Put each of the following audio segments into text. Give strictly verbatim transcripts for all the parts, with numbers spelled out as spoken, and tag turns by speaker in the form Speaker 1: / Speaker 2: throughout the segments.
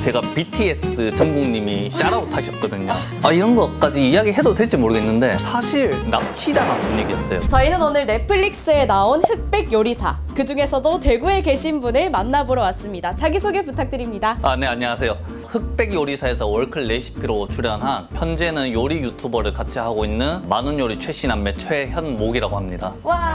Speaker 1: 제가 비티에스 정국님이 샤라웃 하셨거든요. 아, 이런 것까지 이야기해도 될지 모르겠는데 사실 납치당한 분위기였어요.
Speaker 2: 저희는 오늘 넷플릭스에 나온 흑백 요리사, 그 중에서도 대구에 계신 분을 만나보러 왔습니다. 자기소개 부탁드립니다.
Speaker 1: 아, 네, 안녕하세요. 흑백 요리사에서 월클 레시피로 출연한 현재는 요리 유튜버를 같이 하고 있는 만원 요리 최신남매 최현목이라고 합니다.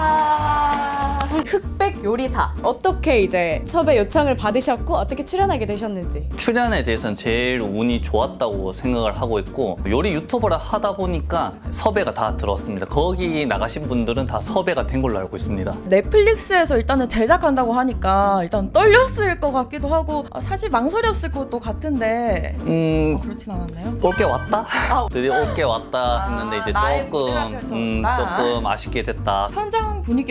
Speaker 2: 와, 흑백 요리사, 어떻게 이제 섭외 요청을 받으셨고 어떻게 출연하게 되셨는지.
Speaker 1: 출연에 대해서는 제일 운이 좋았다고 생각을 하고 있고, 요리 유튜버를 하다 보니까 섭외가 다 들어왔습니다. 거기 나가신 분들은 다 섭외가 된 걸로 알고 있습니다.
Speaker 3: 넷플릭스에서 일단은 제작한다고 하니까 일단 떨렸을 것 같기도 하고, 아, 사실 망설였을 것도 같은데
Speaker 1: 음...
Speaker 3: 아, 그렇진 않았나요?
Speaker 1: 올게 왔다? 드디어 올게 왔다 했는데 이제
Speaker 3: 아, 나의
Speaker 1: 조금
Speaker 3: 무대가
Speaker 1: 음,
Speaker 3: 펼쳐졌다.
Speaker 1: 조금 아쉽게 됐다.
Speaker 3: 현장 분위기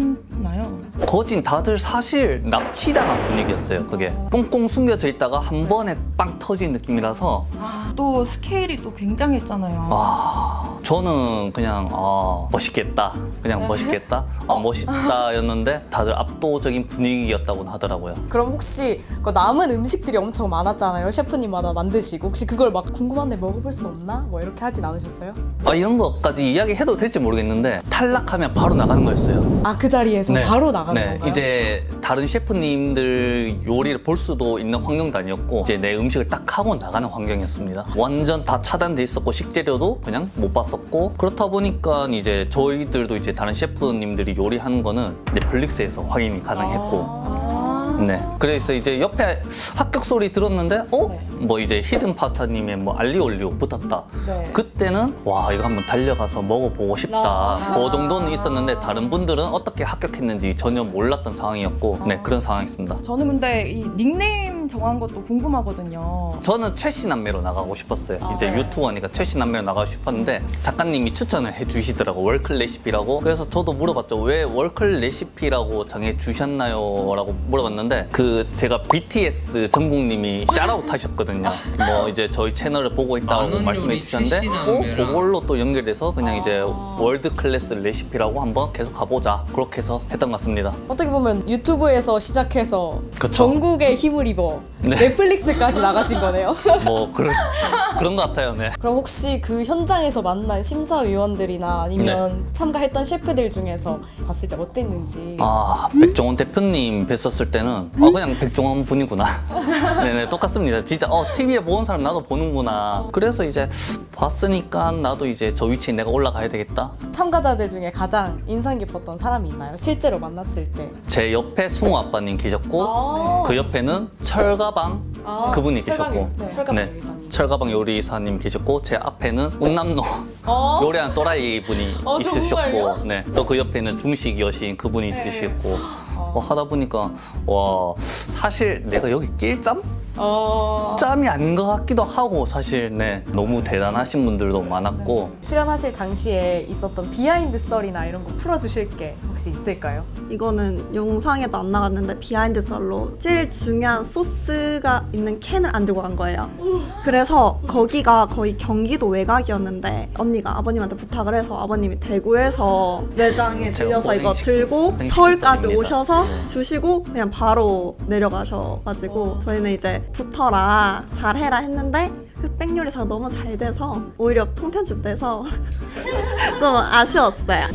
Speaker 3: 어땠나요?
Speaker 1: 거진 다들 사실 납치당한 분위기였어요. 그게 꽁꽁 숨겨져 있다가 한 번에 빵 터진 느낌이라서
Speaker 3: 아, 또 스케일이 또 굉장했잖아요.
Speaker 1: 아, 저는 그냥 아, 멋있겠다, 그냥 멋있겠다, 아, 멋있다였는데 다들 압도적인 분위기였다고 하더라고요.
Speaker 2: 그럼 혹시 그 남은 음식들이 엄청 많았잖아요. 셰프님마다 만드시고 혹시 그걸 막 궁금한데 먹어볼 수 없나? 뭐 이렇게 하진 않으셨어요?
Speaker 1: 아, 이런 것까지 이야기해도 될지 모르겠는데 탈락하면 바로 나가는 거였어요.
Speaker 2: 아, 그 자리에서
Speaker 1: 네.
Speaker 2: 바로 나가는
Speaker 1: 네,
Speaker 2: 건가요?
Speaker 1: 이제 다른 셰프님들 요리를 볼 수도 있는 환경도 아니었고 이제 내 음식을 딱 하고 나가는 환경이었습니다. 완전 다 차단돼 있었고 식재료도 그냥 못 봤었고, 그렇다 보니까 이제 저희들도 이제 다른 셰프님들이 요리하는 거는 넷플릭스에서 확인이 가능했고
Speaker 3: 아.
Speaker 1: 네. 그래서 이제 옆에 합격 소리 들었는데 어?
Speaker 3: 네.
Speaker 1: 뭐 이제 히든 파타님의 뭐 알리올리오 붙었다.
Speaker 3: 네.
Speaker 1: 그때는 와, 이거 한번 달려가서 먹어보고 싶다.
Speaker 3: 아.
Speaker 1: 그 정도는 있었는데 다른 분들은 어떻게 합격했는지 전혀 몰랐던 상황이었고 네, 그런 상황이었습니다.
Speaker 3: 저는 근데 이 닉네임 정한 것도 궁금하거든요.
Speaker 1: 저는 최씨남매로 나가고 싶었어요.
Speaker 3: 아,
Speaker 1: 이제
Speaker 3: 네.
Speaker 1: 유튜버니까 최씨남매로 나가고 싶었는데 작가님이 추천을 해주시더라고, 월클 레시피라고. 그래서 저도 물어봤죠. 왜 월클 레시피라고 정해주셨나요? 라고 물어봤는데 그 제가 비티에스 정국님이 샤라웃 하셨거든요. 뭐 이제 저희 채널을 보고 있다고
Speaker 4: 만원
Speaker 1: 말씀해
Speaker 4: 요리
Speaker 1: 주셨는데
Speaker 4: 최신남매라.
Speaker 1: 어? 그걸로 또 연결돼서 그냥 이제 월드 클래스 레시피라고 한번 계속 가보자, 그렇게 해서 했던 것 같습니다.
Speaker 2: 어떻게 보면 유튜브에서 시작해서
Speaker 1: 그쵸.
Speaker 2: 전국에 힘을 입어
Speaker 1: 네.
Speaker 2: 넷플릭스까지 나가신 거네요.
Speaker 1: 뭐 그런 그런 것 같아요. 네.
Speaker 2: 그럼 혹시 그 현장에서 만난 심사위원들이나 아니면 참가했던 셰프들 중에서 봤을 때 어땠는지.
Speaker 1: 아, 백종원 대표님 뵀었을 때는 아, 그냥 백종원 분이구나. 네네, 똑같습니다. 진짜 어, 티비에 보는 사람 나도 보는구나. 그래서 이제 봤으니까 나도 이제 저 위치에 내가 올라가야 되겠다.
Speaker 2: 참가자들 중에 가장 인상 깊었던 사람이 있나요? 실제로 만났을 때.
Speaker 1: 제 옆에 승우 아빠님 계셨고
Speaker 2: 아.
Speaker 1: 그 옆에는 철가방
Speaker 2: 아,
Speaker 1: 그분이
Speaker 2: 철가방,
Speaker 1: 계셨고
Speaker 2: 네, 철가방
Speaker 1: 네,
Speaker 2: 요리사님.
Speaker 1: 철가방 요리사님 계셨고 제 앞에는 운남로
Speaker 2: 어?
Speaker 1: 요리하는 또라이 분이
Speaker 2: 어,
Speaker 1: 있으셨고
Speaker 2: 정말요?
Speaker 1: 네, 또 그 옆에는 중식 여신 그분이 있으셨고 뭐 하다 보니까 와, 사실 내가 여기 낄 짬?
Speaker 2: 어...
Speaker 1: 짬이 아닌 것 같기도 하고 사실 네, 너무 대단하신 분들도 많았고
Speaker 2: 출연하실 당시에 있었던 비하인드 썰이나 이런 거 풀어주실 게 혹시 있을까요?
Speaker 5: 이거는 영상에도 안 나갔는데 비하인드 썰로 제일 중요한 소스가 있는 캔을 안 들고 간 거예요. 그래서 거기가 거의 경기도 외곽이었는데 언니가 아버님한테 부탁을 해서 아버님이 대구에서 매장에
Speaker 1: 제가
Speaker 5: 들려서 이거
Speaker 1: 오뎅
Speaker 5: 들고
Speaker 1: 오뎅
Speaker 5: 서울까지
Speaker 1: 식습니다.
Speaker 5: 오셔서
Speaker 1: 네.
Speaker 5: 주시고 그냥 바로 내려가셔가지고 저희는 이제 붙어라 잘해라 했는데 흑백 요리사가 너무 잘 돼서 오히려 통편집 돼서 좀 아쉬웠어요.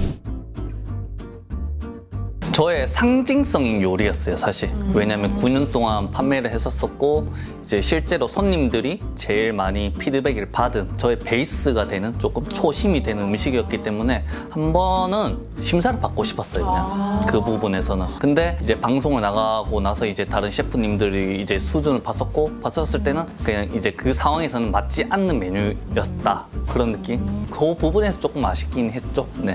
Speaker 1: 저의 상징성인 요리였어요, 사실. 왜냐면 구 년 동안 판매를 했었었고 이제 실제로 손님들이 제일 많이 피드백을 받은 저의 베이스가 되는 조금 초심이 되는 음식이었기 때문에 한 번은 심사를 받고 싶었어요, 그냥 그 부분에서는. 근데 이제 방송을 나가고 나서 이제 다른 셰프님들이 이제 수준을 봤었고 봤었을 때는 그냥 이제 그 상황에서는 맞지 않는 메뉴였다, 그런 느낌. 그 부분에서 조금 아쉽긴 했죠. 네.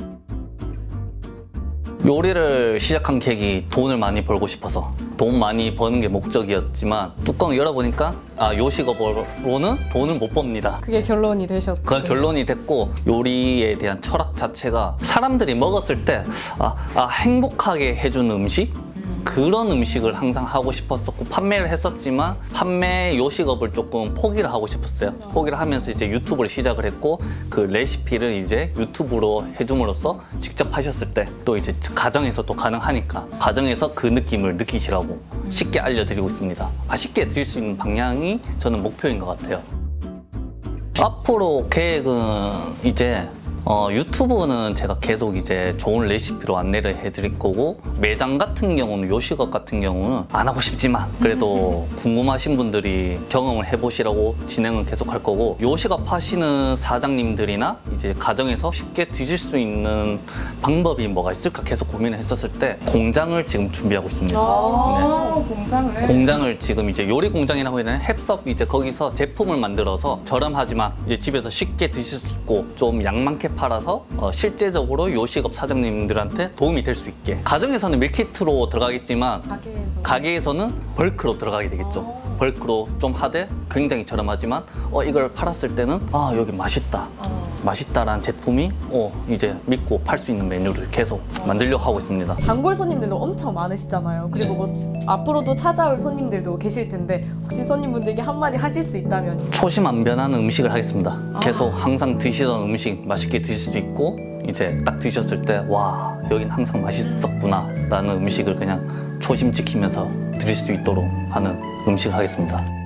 Speaker 1: 요리를 시작한 계기, 돈을 많이 벌고 싶어서. 돈 많이 버는 게 목적이었지만 뚜껑을 열어보니까 아, 요식업으로는 돈을 못 법니다.
Speaker 2: 그게 결론이 되셨고.
Speaker 1: 그 결론이 됐고, 요리에 대한 철학 자체가 사람들이 먹었을 때 아, 아, 행복하게 해주는 음식? 그런 음식을 항상 하고 싶었었고 판매를 했었지만 판매 요식업을 조금 포기를 하고 싶었어요. 포기를 하면서 이제 유튜브를 시작을 했고 그 레시피를 이제 유튜브로 해줌으로써 직접 하셨을 때 또 이제 가정에서 또 가능하니까 가정에서 그 느낌을 느끼시라고 쉽게 알려드리고 있습니다. 맛있게 드실 수 있는 방향이 저는 목표인 것 같아요. 앞으로 계획은 이제 어, 유튜브는 제가 계속 이제 좋은 레시피로 안내를 해드릴 거고 매장 같은 경우는 요식업 같은 경우는 안 하고 싶지만 그래도 궁금하신 분들이 경험을 해보시라고 진행은 계속 할 거고 요식업 하시는 사장님들이나 이제 가정에서 쉽게 드실 수 있는 방법이 뭐가 있을까 계속 고민을 했었을 때 공장을 지금 준비하고 있습니다.
Speaker 3: 아, 공장을.
Speaker 1: 공장을 지금 이제 요리 공장이라고 해야 되나 햅섭 이제 거기서 제품을 만들어서 저렴하지만 이제 집에서 쉽게 드실 수 있고 좀 양 많게 팔아서 어, 실제적으로 요식업 사장님들한테 도움이 될 수 있게 가정에서는 밀키트로 들어가겠지만
Speaker 2: 가게에서
Speaker 1: 가게에서는 벌크로 들어가게 되겠죠. 벌크로 좀 하되 굉장히 저렴하지만 어, 이걸 팔았을 때는 아 여기 맛있다. 맛있다라는 제품이 어, 이제 믿고 팔 수 있는 메뉴를 계속 만들려고 하고 있습니다.
Speaker 2: 단골 손님들도 엄청 많으시잖아요. 그리고 뭐 앞으로도 찾아올 손님들도 계실 텐데 혹시 손님분들에게 한마디 하실 수 있다면
Speaker 1: 초심 안 변하는 음식을 하겠습니다. 계속 항상 드시던 음식 맛있게 드실 수 있고 이제 딱 드셨을 때 와 여긴 항상 맛있었구나 라는 음식을 그냥 초심 지키면서 드실 수 있도록 하는 음식을 하겠습니다.